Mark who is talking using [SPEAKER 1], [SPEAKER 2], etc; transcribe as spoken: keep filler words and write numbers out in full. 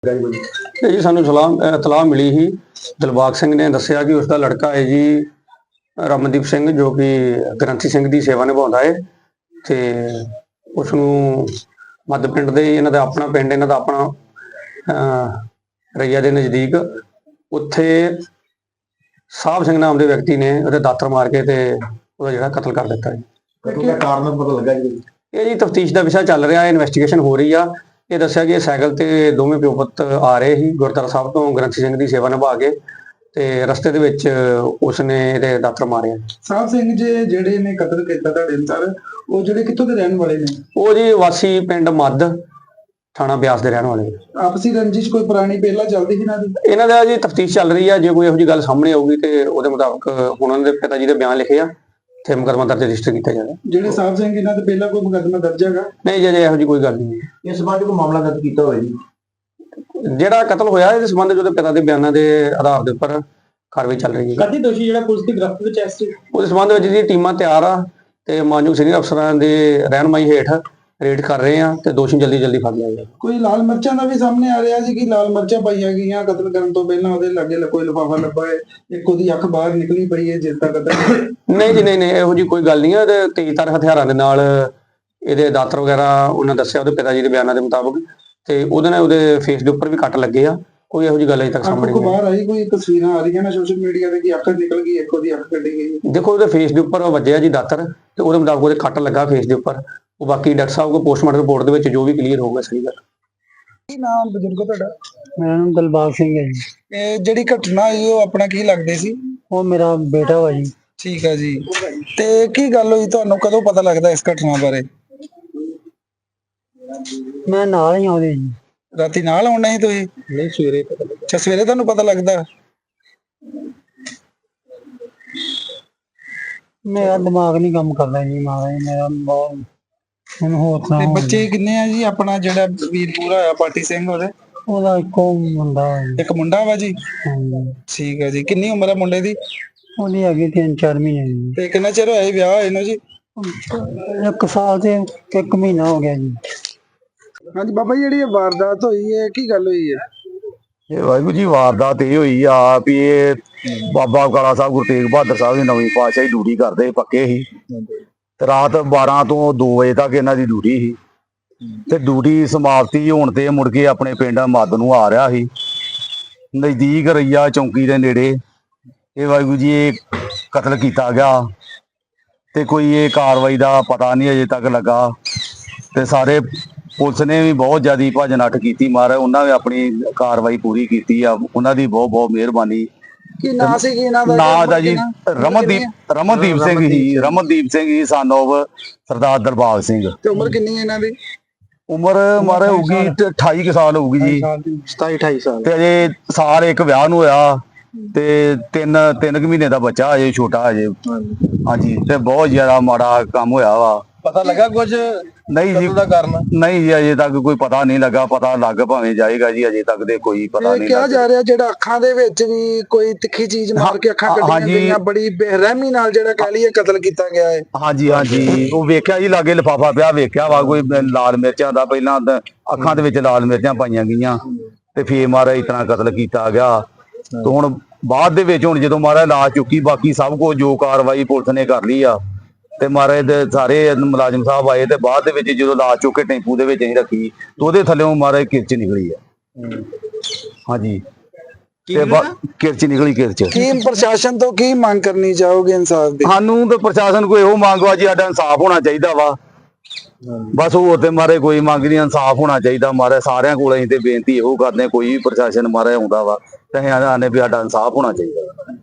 [SPEAKER 1] जी सानू सलाह इतलाह मिली ही दिलबाग सिंह ने दसिया कि उसका लड़का है जी रमनदीप सिंह जो कि ग्रंथी सिंह की सेवा निभाता है तो उसनू मद पिंड दे इन्हां दा अपना पिंड इन्हां दा अपना रईया के नज़दीक उत्थे साहब सिंह नाम के व्यक्ति ने उहदे दातर मार के ते उहदा जिहड़ा कतल कर दिता है।
[SPEAKER 2] कारण पता लगा जी
[SPEAKER 1] ये जी तफ्तीश का विषय चल रहा है, इन्वेस्टिगेशन हो रही है। ये दसिया कि साइकिल ते दोवें प्यो पुत्त आ रहे ही गुरुद्वारा साहब तो ग्रंथी सिंह की सेवा निभा के ते रस्ते दे विच उसने इहदे दातर मारे।
[SPEAKER 2] साहब सिंह जी जिहड़े ने कतल कीता तुहाडे अनुसार वो जिहड़े कित्थों दे रहण वाले ने?
[SPEAKER 1] वो जी वासी पिंड मद थाना ब्यास दे रहण वाले।
[SPEAKER 2] आपसी रंजिश कोई पुरानी पहला चलदी ही ना दी?
[SPEAKER 1] इन्हां दा जी तफ्तीश चल रही है, जो कोई इहो जी गल सामने आऊगी ते उहदे मुताबिक हुण उहनां दे पिता जी दे बयान लिखे आ ते मुकदमा दर्ज रजिस्टर किया जाएगा।
[SPEAKER 2] जिहड़े साहब सिंह इन्हां ते पहला कोई मुकदमा दर्ज हैगा?
[SPEAKER 1] नहीं जी इहो जी कोई गल नहीं है।
[SPEAKER 2] इस संबंध कोई मामला दर्ज कीता होवे जी?
[SPEAKER 1] ਜਿਹੜਾ ਕਤਲ ਹੋਇਆ ਇਸ ਸੰਬੰਧ ਉਹਦੇ ਪਿਤਾ ਦੇ ਬਿਆਨਾਂ ਦੇ ਆਧਾਰ ਦੇ ਉੱਪਰ ਕਾਰਵਾਈ ਚੱਲ ਰਹੀ ਹੈ।
[SPEAKER 2] ਕਦੀ ਦੋਸ਼ੀ ਜਿਹੜਾ ਪੁਲਿਸ ਦੀ ਗ੍ਰਿਫਤ ਵਿੱਚ ਐਸ
[SPEAKER 1] ਉਸ ਸੰਬੰਧ ਵਿੱਚ ਜੀ ਟੀਮਾਂ ਤਿਆਰ ਆ ਤੇ ਮਾਨਯੋਗ ਸੀਨੀਅਰ ਅਫਸਰਾਂ ਦੇ ਰਹਿਨਮਾਈ ਹੇਠ ਰੇਡ ਕਰ ਰਹੇ ਆ ਤੇ ਦੋਸ਼ੀ ਜਲਦੀ ਜਲਦੀ ਫੜ ਲਿਆ ਜਾਏਗਾ।
[SPEAKER 2] ਕੋਈ ਲਾਲ ਮਿਰਚਾਂ ਦਾ ਵੀ ਸਾਹਮਣੇ ਆ ਰਿਹਾ ਸੀ ਕਿ ਲਾਲ ਮਿਰਚਾਂ ਪਾਈਆਂ ਗਈਆਂ ਕਤਲ ਕਰਨ ਤੋਂ ਪਹਿਲਾਂ ਉਹਦੇ ਲਾਗੇ ਕੋਈ ਲਿਫਾਫਾ ਲੱਭਾ ਹੈ, ਇੱਕ ਉਹਦੀ ਅੱਖ ਬਾਹਰ ਨਿਕਲੀ ਪਈ ਹੈ ਜਿਸ ਦਾ ਕਤਲ।
[SPEAKER 1] ਨਹੀਂ ਜੀ ਨਹੀਂ ਨਹੀਂ ਇਹੋ ਜੀ ਕੋਈ ਗੱਲ ਨਹੀਂ ਹੈ ਤੇ ਤੇਜ਼ਧਾਰ ਹਥਿਆਰਾਂ ਦੇ ਨਾਲ ਇਹਦੇ ਦਾਤਰ ਵਗੈਰਾ ਉਹਨਾਂ ਦੱਸਿਆ ਉਹਦੇ ਪਿਤਾ ਜੀ ਦੇ ਬਿਆਨਾਂ ਦੇ ਮੁਤਾਬਕ ਤੇ ਉਹਦੇ ਨਾਲ ਉਹਦੇ ਫੇਸ ਦੇ ਉੱਪਰ ਵੀ ਕੱਟ ਲੱਗੇ ਆ। ਕੋਈ ਇਹੋ ਜੀ ਗੱਲ ਅਜੇ ਤੱਕ ਸਾਹਮਣੇ
[SPEAKER 2] ਨਹੀਂ ਬਾਹਰ ਆਈ। ਕੋਈ ਤਸਵੀਰਾਂ ਆ ਰਹੀਆਂ ਨੇ ਸੋਸ਼ਲ ਮੀਡੀਆ ਤੇ ਕਿ ਅੱਖ ਨਿਕਲ ਗਈ, ਇੱਕ ਉਹਦੀ ਅੱਖ ਕੱਢੀ ਗਈ।
[SPEAKER 1] ਦੇਖੋ ਉਹਦੇ ਫੇਸ ਦੇ ਉੱਪਰ ਵੱਜਿਆ ਜੀ ਦਾਤਰ ਤੇ ਉਹਦੇ ਮੁਤਾਬਕ ਉਹਦੇ ਕੱਟ ਲੱਗਾ ਫੇਸ ਦੇ ਉੱਪਰ। ਉਹ ਬਾਕੀ ਡਾਕਟਰ ਸਾਹਿਬ ਕੋਲ ਪੋਸਟਮਾਰਟਮ ਰਿਪੋਰਟ ਦੇ ਵਿੱਚ ਜੋ ਵੀ ਕਲੀਅਰ ਹੋਊਗਾ ਸਹੀ ਗੱਲ।
[SPEAKER 2] ਕੀ ਨਾਮ ਬਜ਼ੁਰਗੋ ਤੁਹਾਡਾ?
[SPEAKER 3] ਮੇਰਾ ਨਾਮ ਦਿਲਬਾਗ ਸਿੰਘ ਹੈ ਜੀ।
[SPEAKER 2] ਇਹ ਜਿਹੜੀ ਘਟਨਾ ਹੋਈ ਉਹ ਆਪਣਾ ਕੀ ਲੱਗਦੇ ਸੀ?
[SPEAKER 3] ਉਹ ਮੇਰਾ ਬੇਟਾ ਵਾ ਜੀ।
[SPEAKER 2] ਠੀਕ ਆ ਜੀ। ਤੇ ਕੀ ਗੱਲ ਹੋਈ, ਤੁਹਾਨੂੰ ਕਦੋਂ ਪਤਾ ਲੱਗਦਾ ਇਸ ਘਟਨਾ ਬਾਰੇ?
[SPEAKER 3] ਮੈਂ ਨਾਲ ਹੀ ਆਉਂਦੇ ਜੀ।
[SPEAKER 2] ਰਾਤੀ ਨਾਲ ਆਉਣਾ ਸੀ ਤੁਸੀਂ?
[SPEAKER 3] ਨਹੀਂ ਸਵੇਰੇ ਪਤਾ ਲੱਗਾ।
[SPEAKER 2] ਅੱਛਾ ਸਵੇਰੇ ਤੁਹਾਨੂੰ ਪਤਾ ਲੱਗਦਾ?
[SPEAKER 3] ਮੇਰਾ ਦਿਮਾਗ ਨਹੀਂ ਕੰਮ ਕਰਦਾ ਜੀ ਮਹਾਰਾਜ, ਮੇਰਾ ਬਹੁਤ ਹੁਣ ਹੋਰ
[SPEAKER 2] ਤੇ
[SPEAKER 3] ਸੁਣਾਓ।
[SPEAKER 2] ਬੱਚੇ ਕਿੰਨੇ ਆ ਜੀ? ਆਪਣਾ ਜਿਹੜਾ ਵੀਰ ਪੂਰਾ ਹੋਇਆ ਪਾਟੀ ਸਿੰਘ ਉਹਦੇ?
[SPEAKER 3] ਉਹਦਾ ਇੱਕੋ ਮੁੰਡਾ ਵਾ ਜੀ।
[SPEAKER 2] ਇੱਕ ਮੁੰਡਾ ਵਾ ਜੀ?
[SPEAKER 3] ਹਾਂਜੀ।
[SPEAKER 2] ਠੀਕ ਆ ਜੀ। ਕਿੰਨੀ ਉਮਰ ਆ ਮੁੰਡੇ ਦੀ?
[SPEAKER 3] ਉਹਦੀ ਹੈਗੀ ਤਿੰਨ ਚਾਰ ਮਹੀਨੇ ਦੀ।
[SPEAKER 2] ਤੇ ਕਿੰਨਾ ਚਿਰ ਹੋਇਆ ਜੀ ਵਿਆਹ ਹੋਏ ਨੂੰ ਜੀ?
[SPEAKER 3] ਇੱਕ ਸਾਲ ਤੇ ਇੱਕ ਮਹੀਨਾ ਹੋ ਗਿਆ ਜੀ।
[SPEAKER 2] ਹਾਂਜੀ ਬਾਬਾ ਜੀ, ਜਿਹੜੀ ਇਹ ਵਾਰਦਾਤ ਹੋਈ ਹੈ ਕੀ ਗੱਲ ਹੋਈ ਹੈ?
[SPEAKER 4] ਇਹ ਵਾਹਿਗੁਰੂ ਜੀ ਵਾਰਦਾਤ ਇਹ ਹੋਈ ਆ ਵੀ ਇਹ ਬਾਬਾ ਕਾਲਾ ਸਾਹਿਬ ਗੁਰੂ ਤੇਗ ਬਹਾਦਰ ਸਾਹਿਬ ਦੀ ਨਵੀਂ ਪਾਤਸ਼ਾਹੀ ਡਿਊਟੀ ਕਰਦੇ ਪੱਕੇ ਸੀ ਤੇ ਰਾਤ ਬਾਰਾਂ ਤੋਂ ਦੋ ਵਜੇ ਤੱਕ ਇਹਨਾਂ ਦੀ ਡਿਊਟੀ ਸੀ ਤੇ ਡਿਊਟੀ ਸਮਾਪਤੀ ਹੋਣ ਤੇ ਮੁੜ ਕੇ ਆਪਣੇ ਪਿੰਡ ਮੱਦ ਨੂੰ ਆ ਰਿਹਾ ਸੀ। ਨਜ਼ਦੀਕ ਰਈਆ ਚੌਂਕੀ ਦੇ ਨੇੜੇ ਇਹ ਵਾਹਿਗੁਰੂ ਜੀ ਇਹ ਕਤਲ ਕੀਤਾ ਗਿਆ ਤੇ ਕੋਈ ਇਹ ਕਾਰਵਾਈ ਦਾ ਪਤਾ ਨਹੀਂ ਅਜੇ ਤੱਕ ਲੱਗਾ ਤੇ ਸਾਰੇ ਪੁਲਿਸ ਨੇ ਵੀ ਬਹੁਤ ਜ਼ਿਆਦਾ ਭੱਜ ਨੱਠ ਕੀਤੀ। ਮਾਰ ਉਹਨਾਂ ਨੇ ਆਪਣੀ ਕਾਰਵਾਈ ਪੂਰੀ ਕੀਤੀ ਆ, ਉਹਨਾਂ ਦੀ ਬਹੁਤ ਬਹੁਤ ਮਿਹਰਬਾਨੀ।
[SPEAKER 2] ਕੀ ਨਾਂ ਸੀ ਕੀ ਇਹਨਾਂ ਦਾ?
[SPEAKER 4] ਨਾਂ ਦਾ ਜੀ ਰਮਨਦੀਪ ਰਮਨਦੀਪ ਸਿੰਘ ਹੀ ਰਮਨਦੀਪ ਸਿੰਘ ਹੀ ਸਨ ਆਫ ਸਰਦਾਰ ਦਿਲਬਾਗ ਸਿੰਘ।
[SPEAKER 2] ਤੇ ਉਮਰ ਕਿੰਨੀ ਹੈ ਇਹਨਾਂ ਦੀ?
[SPEAKER 4] ਉਮਰ ਮਾਰੇ ਹੋਊਗੀ ਅਠਾਈ ਕੁ ਸਾਲ ਹੋਊਗੀ ਜੀ।
[SPEAKER 2] ਸਤਾਈ ਅਠਾਈ ਸਾਲ।
[SPEAKER 4] ਤੇ ਅਜੇ ਸਾਲ ਇੱਕ ਵਿਆਹ ਨੂੰ ਹੋਇਆ ਤੇ ਤਿੰਨ ਤਿੰਨ ਕੁ ਮਹੀਨੇ ਦਾ ਬੱਚਾ ਅਜੇ ਛੋਟਾ ਅਜੇ। ਹਾਂਜੀ ਤੇ ਬਹੁਤ ਜ਼ਿਆਦਾ ਮਾੜਾ ਕੰਮ ਹੋਇਆ ਵਾ।
[SPEAKER 2] ਪਤਾ ਲੱਗਾ ਕੁਝ
[SPEAKER 4] ਨਹੀਂ ਜੀ
[SPEAKER 2] ਦਾ ਕਾਰਨ?
[SPEAKER 4] ਨਹੀਂ ਜੀ ਅਜੇ ਤੱਕ ਕੋਈ ਪਤਾ ਨਹੀਂ ਲੱਗਾ। ਪਤਾ ਲੱਗ ਭਾਵੇਂ ਜਾਏਗਾ ਜੀ, ਅਜੇ ਤੱਕ ਦੇ ਕੋਈ ਪਤਾ ਨਹੀਂ
[SPEAKER 2] ਕਿਹਾ ਜਾ ਰਿਹਾ ਜਿਹੜਾ ਅੱਖਾਂ ਦੇ ਵਿੱਚ ਵੀ ਕੋਈ ਤਿੱਖੀ ਚੀਜ਼ ਮਾਰ ਕੇ ਅੱਖਾਂ ਕੱਢੀਆਂ ਗਈਆਂ, ਬੜੀ ਬੇਰਹਿਮੀ ਨਾਲ ਜਿਹੜਾ ਕਹਿ ਲਈਏ ਕਤਲ ਕੀਤਾ ਗਿਆ ਹੈ।
[SPEAKER 4] ਹਾਂਜੀ ਹਾਂਜੀ ਉਹ ਵੇਖਿਆ ਜੀ ਲਾਗੇ ਲਿਫਾਫਾ ਪਿਆ ਵੇਖਿਆ ਵਾ ਕੋਈ ਲਾਲ ਮਿਰਚਾਂ ਦਾ, ਪਹਿਲਾਂ ਅੱਖਾਂ ਦੇ ਵਿੱਚ ਲਾਲ ਮਿਰਚਾਂ ਪਾਈਆਂ ਗਈਆਂ ਤੇ ਫੇਰ ਮਾਰਾ ਇਸ ਤਰ੍ਹਾਂ ਕਤਲ ਕੀਤਾ ਗਿਆ। ਤੇ ਹੁਣ ਬਾਅਦ ਦੇ ਵਿੱਚ ਹੁਣ ਜਦੋਂ ਮਾਰਾ ਲਾਸ਼ ਚੁੱਕੀ ਬਾਕੀ ਸਭ ਕੁਝ ਜੋ ਕਾਰਵਾਈ ਪੁਲਿਸ ਨੇ ਕਰ ਲਈ ਆ ਤੇ ਮਾਰੇ ਦੇ ਸਾਰੇ ਮੁਲਾਜ਼ਮ ਸਾਹਿਬ ਆਏ ਤੇ ਬਾਅਦ ਦੇ ਵਿੱਚ ਜਦੋਂ ਲਾਸ਼ ਚੁੱਕ ਕੇ ਟੈਂਪੂ ਦੇ ਵਿੱਚ ਅਸੀਂ ਰੱਖੀ ਤੇ ਉਹਦੇ ਥੱਲੇੋਂ ਮਾਰੇ ਕਿਰਚ ਨਿਕਲੀ ਆ। ਹਾਂਜੀ ਤੇ ਕਿਰਚ ਨਿਕਲੀ ਕਿਰਚ।
[SPEAKER 2] ਕੀ ਪ੍ਰਸ਼ਾਸਨ ਤੋਂ ਕੀ ਮੰਗ ਕਰਨੀ ਚਾਹੋਗੇ ਇਨਸਾਫ ਦੀ?
[SPEAKER 4] ਸਾਨੂੰ ਤੇ ਪ੍ਰਸ਼ਾਸਨ ਕੋਈ ਇਹੋ ਮੰਗ ਵਾ ਜੀ ਸਾਡਾ ਇਨਸਾਫ ਹੋਣਾ ਚਾਹੀਦਾ ਵਾ। ਬਸ ਹੋਰ ਤੇ ਮਾਰੇ ਕੋਈ ਮੰਗ ਨਹੀਂ, ਇਨਸਾਫ ਹੋਣਾ ਚਾਹੀਦਾ ਮਾਰੇ। ਸਾਰਿਆਂ ਕੋਲ ਅਸੀਂ ਤੇ ਬੇਨਤੀ ਇਹੋ ਕਰਦੇ ਕੋਈ ਵੀ ਪ੍ਰਸ਼ਾਸਨ ਮਾਰੇ ਆਉਂਦਾ ਵਾ ਤੇ ਅਸੀਂ ਆਨੇ ਵੀ ਸਾਡਾ ਇਨਸਾਫ ਹੋਣਾ ਚਾਹੀਦਾ।